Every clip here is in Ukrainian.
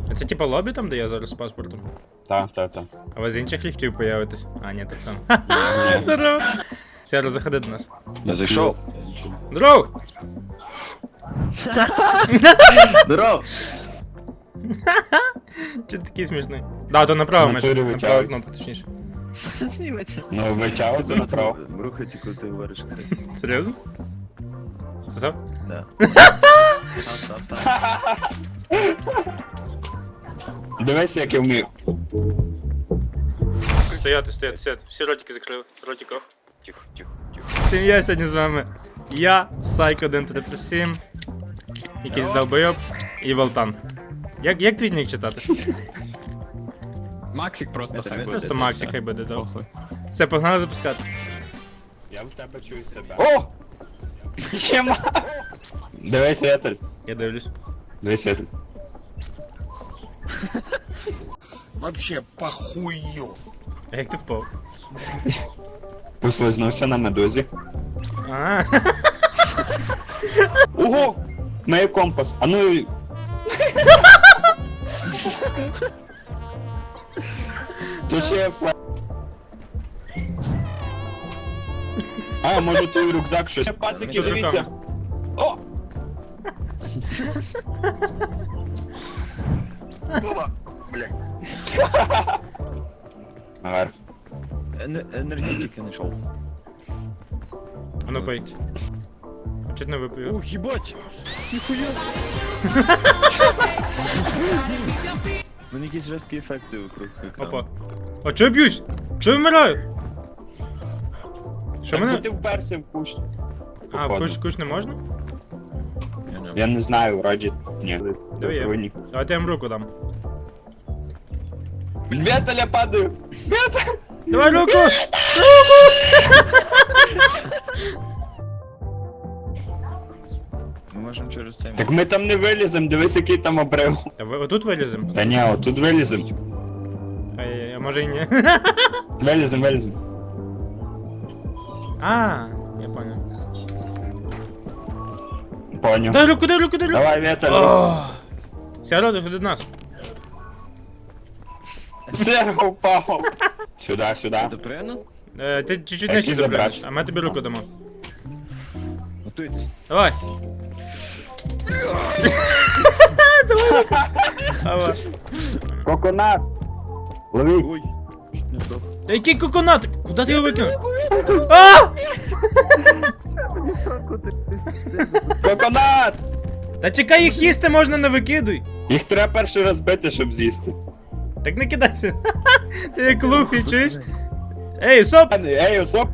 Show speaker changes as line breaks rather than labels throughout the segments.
А це типа лобі там, де я зараз з паспортом?
Та.
А ви з інших ліфтів появитесь? А, ні, так само. Здорово. Сяро, заходи до нас.
Я зайшов.
Здорово!
Здоров!
Чи ти такий смішний? Да, то направо,
Натурі
направо
витягують.
кнопку, точніше.
Ну, витягуйте направо.
Рухайте, коли ти говориш, кстати.
Серйозно? Це?
Да. Став.
Дивись, як я вмію.
Стояти. Всі ротики закрили. Ротиков.
Тихо.
Сім'я сьогодні з вами. Я, Сайко 1337, якийсь долбойоб і Волтан. Як твій нік читати?
Максик просто хай буде.
Просто Максик хай буде, добре.
Похуй.
Все, погнали запускати.
Я в тебе чую себе.
О!
Єма! Дивись, Вітель.
Я дивлюсь.
Дивись, Вітель.
Вообще похую.
А як ти впав?
Послизнувся на медузі.
А,
Ого! Має компас. А ну... То ще флаг. А, може твій рюкзак щось. Пацики,
Тут
дивіться.
руками.
О!
Опа, блядь.
Наверх.
Енергетики знайшов.
А ну пий. А чуть не випив.
Ух, їбать! Ніхуя! У мене якісь жорсткі ефекти вокруг екрану.
Опа. А чого я б'юсь? Чого я вмираю? Що
Так, бо
мене?
ти вперся в кущ.
А,
походу.
куш не можна?
Я не знаю, вроді. Ні.
Диви, я.
Руйні.
Давайте я їм руку дам.
Віталя падаю! Віталя!
Давай руку!
Ми можемо через цей...
Так ми там не вилізем, дивись, який там обрив.
А ви отут вилізем?
Та ні, отут вилізем.
А може і ні.
Вилізем.
А, я понял.
Поняв.
Дай руку.
Давай, Віталь.
Ох. Сяро, ходи до нас.
Серго впав. Сюди.
Це приємно?
Ти чуть-чуть
Як
нижче
і
запрягнеш,
забрався.
а ми тобі руку дамо.
Готуйтесь.
Давай. Давай.
Коконат. Лови.
Ой, чуть не здох.
Та який коконат? Куди ти його викинув? А!
Коконат!
Та чекай, їх їсти можна, не викидуй.
Їх треба перший раз бити, щоб з'їсти.
Так не кидайся. Ти як Луфі, чуєш? Ей, соп!
Ей, осоп!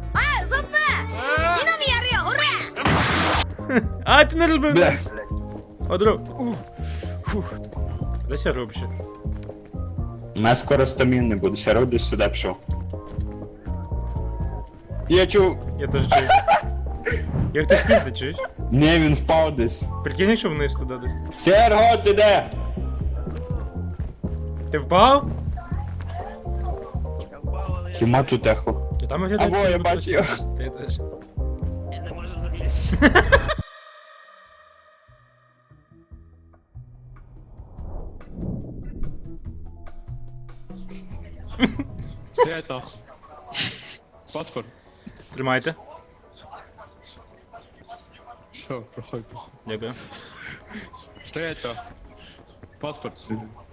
А, ти не розбив.
Бля.
Одру. Де ся робиш?
У нас скоро стамін не буде, Сяро десь сюди пішов. Я чув.
Я теж чую. Як ти спізди, чуєш?
Ні, він впав десь.
Прикинь, якщо вниз туди десь.
Серго, ти де?
Ти впав?
Хіма тут ехо.
І там виглядає.
Або я бачу його.
Ти теж.
Я не можу залізти.
Стоять нахуй. Паспорт.
Тримайте.
Що, проходь.
Дякую.
Стоять нахуй. Паспорт.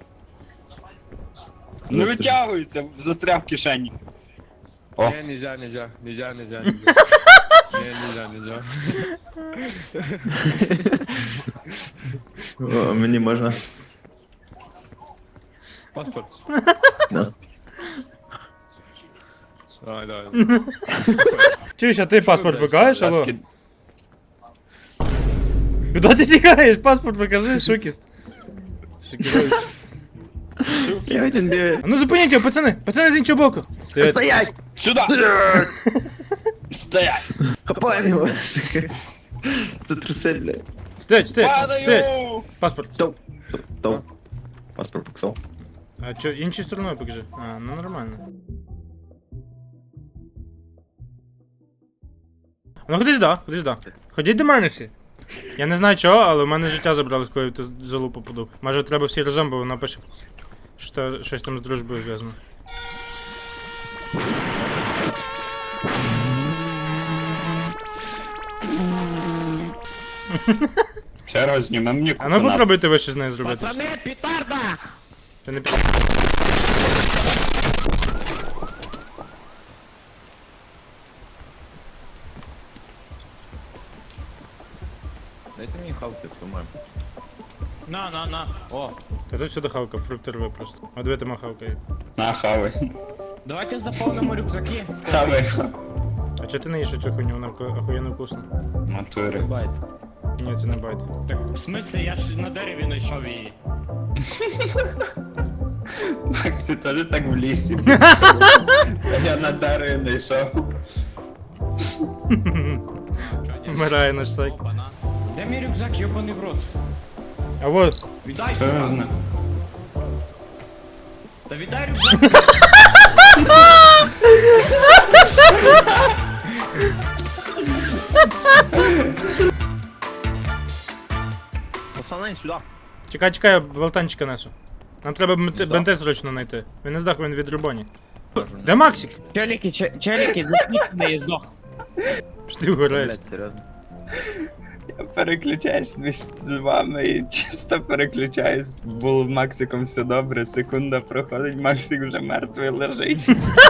Не витягується, застряв в кишені. О.
Не, нельзя. Не, нельзя.
О, мені можна.
Паспорт.
Да.
Давай.
Чуєш, а ти паспорт покажеш, алло?
Блядський.
Куди ти тікаєш? Паспорт покажи, шукіст. Шокірович.
Я один бігаю.
А ну зупиніть його, пацани! Пацани з іншого боку! Стоять.
Стоять!
Сюди! Стоять!
Хапаємо його! Це труси, блядь.
Стоять! Стоять!
Падаю!
Паспорт.
Стоп! Паспорт поксов.
А чо, іншою стороною покажи. А, ну нормально. Ну ходи сюди. Ходіть до мене всі. Я не знаю чого, але в мене життя забралось, коли я в ту залу попаду. Може треба всі разом, бо вона пише, що щось там з дружбою зв'язано.
Ще раз зніми мені
А ну
кукуна.
попробуйте ви щось з нею зробити.
Пацаны, петарда!
Ти не
Дайте мені хавки, по-моєму.
На. О,
Та тут сюди хавка, фрукти рви просто. А диви, там хавка є.
На, хавай.
давайте заполним рюкзаки.
Хавай.
А чого ти не їш цю хуйню, вона охуєнно вкусна.
Матури.
Байт.
Ні, це не байт.
Так, в смысле, я ж на дереві знайшов її.
Макс, ти теж так в лісі. А я на дереві не йшов.
Вмирає наш сайк.
Опа-на. Де мій рюкзак, йобаний в рот?
А вот,
Віддай
Що я
сюди.
знаю?
Та віддай рюкзак.
Пацани, сюди.
чекай, я волтанчика несу. Нам треба бенте срочно знайти. Він не здох, він від рубоні. Де Максик?
Челіки, засніть мене, здох.
Що ти вгораєш?
Блять, серйозно.
Я переключаюсь між вами і чисто переключаюсь. Було в Максиком все добре, секунда проходить, Максик вже мертвий лежить.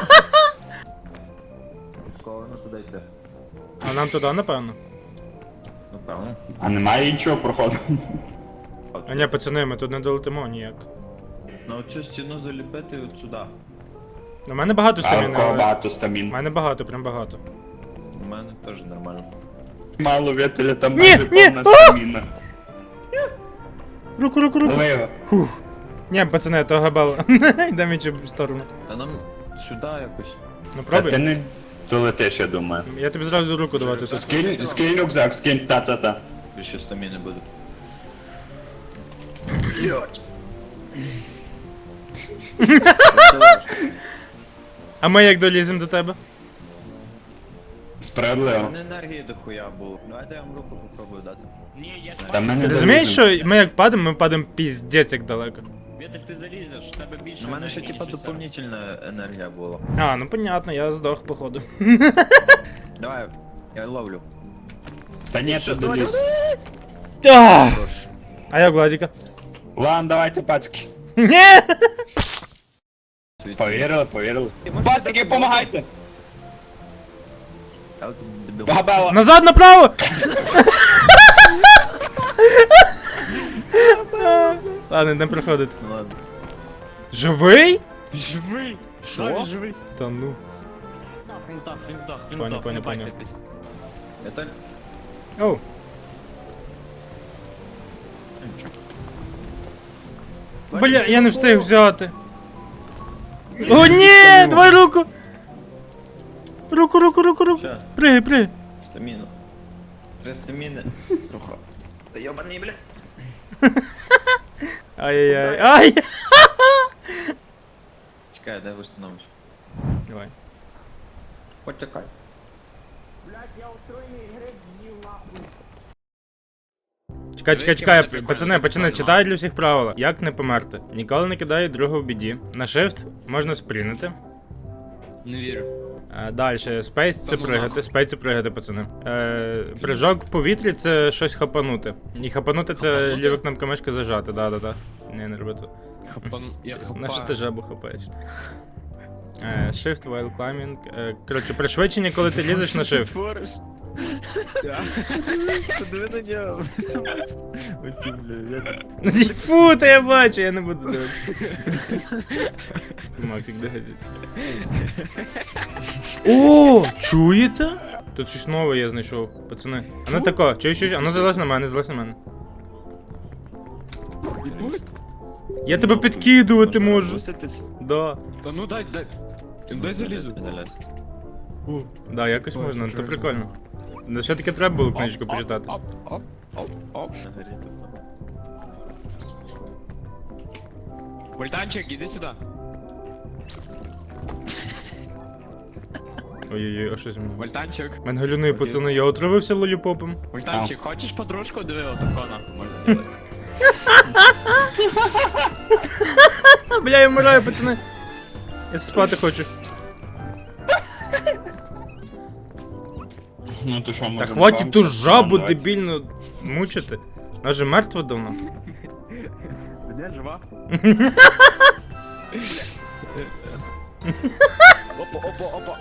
Кого воно туди йде?
А нам туди, напевно.
Ну, певно.
А немає нічого проходу.
А ні, пацани, ми тут не долетимо ніяк.
На оцю стіну заліпити от сюди.
У мене багато
А в
стаміни.
кого
але-
багато
У
стамін.
мене багато, прям багато.
У мене теж нормально.
Мало вітеля, там
Ні,
майже
ні,
повна
а!
стаміна.
Руку.
Лови.
Ні, пацани, то габало. Йдемо в іншу сторону.
А нам сюди якось.
Ну
Та ти
пробуй.
не долетиш, я думаю.
Я тобі зразу руку давати. тут.
Скинь рюкзак, скинь, та-та-та.
Більше стаміни буде.
А ми як доліземо до тебе?
У
Справедливо.
мене енергії дохуя було. Давайте я вам руку попробую дати.
Ні, я ж
Та ми не
Ти розумієш,
доліземо.
що ми як впадемо, ми впадемо піздець як далеко.
Вітер, ти залізеш, в тебе більше.
У мене ще
енергії,
типа
ніж у себе.
доповнительна енергія була.
А, ну понятно, я здох, походу.
Давай, я ловлю.
Та ні, ти доліз.
А
Хорош.
А я Владіка.
Ладно, давайте, пацки.
Ні!
Повірили. Пацики, помагайте!
А от дебіл.
Габела.
Назад направо! Ладно, не проходить.
Ну ладно.
Живий?
Живий!
Що?
Він живий?
Та ну.
Він здох,
Понял,
не
понял.
байтесь.
Это...
Оу. Бля, я не встиг взяти. О, ні! Давай руку! Руку.
Ща,
Пригай.
стаміну. 3 стаміни. Трохи. Та йобаний, бля.
Ай-яй-яй. Ай!
Чекай, дай встановлюсь.
Давай.
Почекай.
Чекай, пацани, читаю для всіх правила. Як не померти? Ніколи не кидай друга в біді. На shift можна спринити.
Не вірю.
Далі, спейс це
Тому
пригати, пацани. Прыжок в повітрі це щось хапанути. І хапанути це
Хапанути?
ліва кнопка мишки зажати, да. Не роби тут.
Я хапаю.
На що ти жабу хапаєш? Shift while climbing. Коротше, пришвидшення, коли ти лізеш на shift.
Твориш? Подиви на нього. Оті, бля,
Фу, та я бачу, я не буду дивитися. Максик, де гадиться? О, чуєте? Тут щось нове я знайшов, пацани. А ну тако, чуєш, а ну залазь на мене. Я тебе підкидувати можу.
Пуститись?
Да.
Та ну дай. Дай залізу.
Залез.
Да, якось
Ой,
можна, то
прикольно.
прикольно. Ну все-таки треба було книжку почитати.
Оп.
На горі тут.
Вольтанчик, іди сюди.
Ой-ой-ой, а що зі мною?
Вольтанчик.
Мене галюни, пацани, я отравився лоліпопом.
Вольтанчик, хочешь подружку? Диви, отакона. Можна делать.
Бля, я вмираю, пацани. Я спати хочу.
Ну то що,
Та
може.
хватить ту жабу дебільно мучити. Вона же мертва давно.
Де жива? Опа, опа, опа.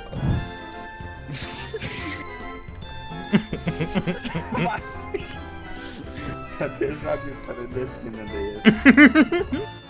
А ти жабі передачі не даєш.